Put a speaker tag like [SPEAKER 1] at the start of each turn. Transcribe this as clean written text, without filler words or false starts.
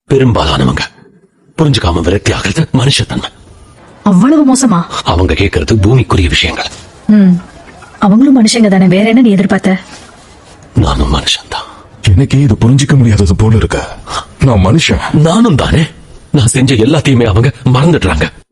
[SPEAKER 1] பெரும்பாலானவங்க புரிஞ்சுக்காம விரக்தி ஆகிறது மனுஷத்தன்மை.
[SPEAKER 2] அவ்வளவு மோசமா?
[SPEAKER 1] அவங்க கேட்கறது பூமிக்குரிய விஷயங்கள்.
[SPEAKER 2] அவங்களும் மனுஷங்க தானே, வேற என்ன நீ எதிர்பார்த்த?
[SPEAKER 1] நானும் மனுஷன் தான்.
[SPEAKER 3] எனக்கே இது புரிஞ்சிக்க முடியாதது போல இருக்க. நான் மனுஷன்.
[SPEAKER 1] நானும் தானே. நான் செஞ்ச எல்லாத்தையுமே அவங்க மறந்துடுறாங்க.